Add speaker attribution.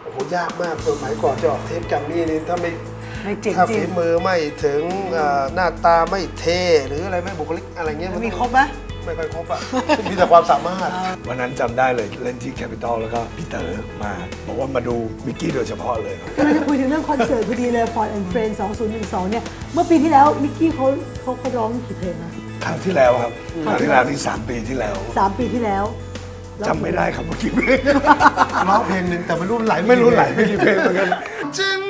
Speaker 1: โอ้โหยากมากสมัยก่อนจะออกเทปแกรมมี่นี่ถ้าฝีมือไม่ถึงหน้าตาไม่เท่หรืออะไรไม่บุคลิกอะไรเงี้ย
Speaker 2: มีครบไหม
Speaker 1: ไม่ค่อยครบอ่ะ มีแต่ความสามารถ
Speaker 3: วันนั้นจำได้เลยเล่นที่แคปิตอลแล้วก็พี่เต๋อมาบอกว่ามาดูมิกกี้โดยเฉพาะเลย
Speaker 2: กำลังจะคุยถึงเรื่องคอนเสิร์ตพอดีเลย Ford and Friends 2012เนี่ยเมื่อปีที่แล้วมิกกี้เขาร้องกี่เพลงนะ
Speaker 3: ครั้งที่แล้วครับครั้งที่แล้วนี่3 ปีที่แล้ว
Speaker 2: 3 ปีที่แล้ว
Speaker 3: จำไม่ได้ครับเมื่อกี้เพลง
Speaker 1: ร้องเพลงหนึ่งแต่ไม่รู้ไหล
Speaker 3: ไม่กี่เพลงเหมือนกัน